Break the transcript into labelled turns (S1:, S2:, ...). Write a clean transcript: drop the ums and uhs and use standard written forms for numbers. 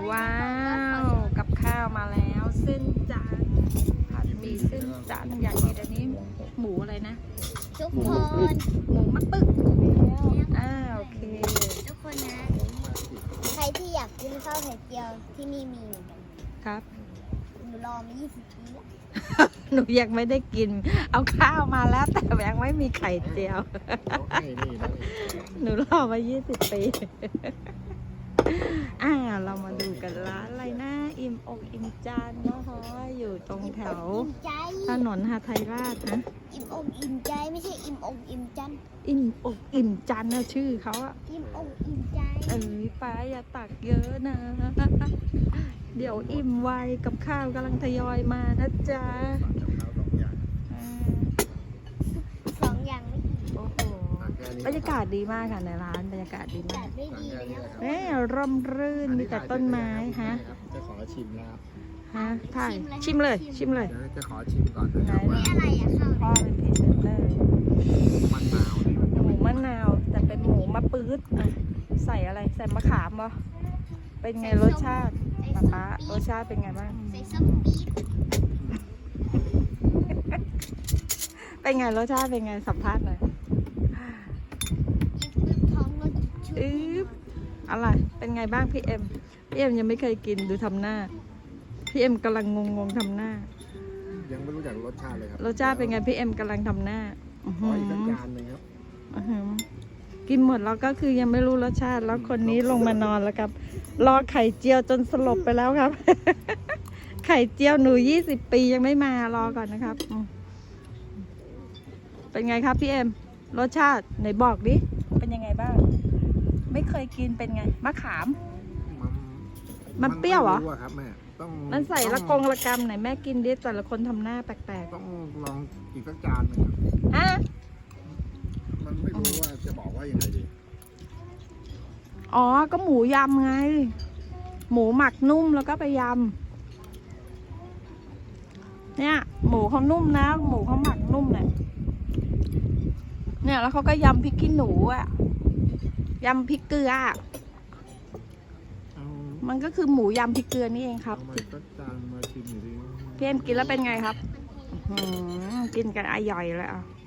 S1: ว้าวกับข้าวมาแล้วเส้นจันทร์ผัดหมี่เส้นจันทร์อยากกินอันนี้หมูอะไรนะ
S2: ทุกคน
S1: หมูมะตึกโอเค
S2: ทุกคนนะ ใครที่อยากกินข้าวไข่เจียวที่นี่มีเหมือนกัน
S1: ครับ
S2: หนูรอมา20 ปีแล้ว
S1: หนูยังไม่ได้กิน เอาข้าวมาแล้วแต่ยังไม่มีไข่เจียว หนูรอมา20 ปีเรามาดูกันร้านอะไรนะอิ่มอกอิ่มจานนะคะอยู่ตรงแถว
S2: อิ่มใจ
S1: ถนนหาไทยราชนะ
S2: อิ่มอกอิ่มใจไม่ใช่อิ่มอกอิ่มจัน
S1: อิ่มอกอิ่มจันนะชื่อเขาอะ
S2: อิ่มอกอิ่มใจ
S1: ป้าอย่าตักเยอะนะ เดี๋ยวอิ่มไวกับข้าวกำลังทยอยมานะจ๊ะ
S2: สองอย่างไม่อิ่ม
S1: โอ้โหบรรยากาศดีมากค่ะในร้านบรรยากาศดี
S2: จั
S1: มาก
S2: ดไม่ดีแล้ว
S1: ร่มรื่นมีแต่ต้นไม้ฮะ
S3: จะขอชิมแล้ว
S1: ถ่ายชิมเลยชิมเลย
S3: เดี๋ยวจะขอชิมก่อนนะครับ
S2: ไม่
S3: ว่า
S2: อะไรอะข้าว
S1: พ่อเป็นพรีเซนเตอร์
S3: มันนาวนี่มัน
S1: หมูมะนาวแต่เป็นหมูมะปื๊ดใส่อะไรใส่มะขามบ่เป็นไงรสชาติป๊ารสชาติเป็นไงบ้าง
S2: ใส่ส้มปี๊ด
S1: เป็นไงรสชาติเป็นไงสัมภาษณ์หน่อย
S2: กินปึ๊บท้องแล้วชุบ
S1: อะไรเป็นไงบ้างพี่เอ็มยังไม่เคยกินดูทำหน้าพี่เอ็มกำลังงงทำหน้า
S3: ยังไม่รู้จักรสชาติเลยครับ
S1: รสชาติเป็นไงพี่เอ็มกำลังทำหน้า
S3: ขออีกสักจานหนึ่งครับ
S1: กินหมดแล้วก็คือยังไม่รู้รสชาติแล้วคนนี้ลงมานอนแล้วครับรอไข่เจียวจนสลบไปแล้วครับ ไข่เจียวหนู20 ปียังไม่มารอก่อนนะครับเป็นไงครับพี่เอ็มรสชาติไหนบอกดิเป็นยังไงบ้างไม่เคยกินเป็นไงมะขาม มันเปรี้ยวเหรอ
S3: ไม่ะครับแม่ต้อง
S1: มันใส่ละกงละกำไหนแม่กินดิแต่ละคนทำหน้าแปลก
S3: ต้องลองอีกสักจานหนึงครับ
S1: ๆอ่ะ
S3: มันไม่รู้ว่าจะบอกว่ายังไงดี
S1: อ๋อก็หมูยำไงหมูหมักนุ่มแล้วก็ไปยำเนี่ยหมูเขานุ่มนะหมูเขาหมักนุ่มเนี่ยแล้วเขาก็ยำพริกขี้หนูอ่ะยำพริกเกลืออะ
S3: เอา
S1: มันก็คือหมูยำพริกเกลือนี่เองครับ
S3: เอามาอีกสักจานมาชิมหน่อยดิ
S1: พี่เอ็มกินแล้วเป็นไงครับกินกันอร่อยเลยอ่ะ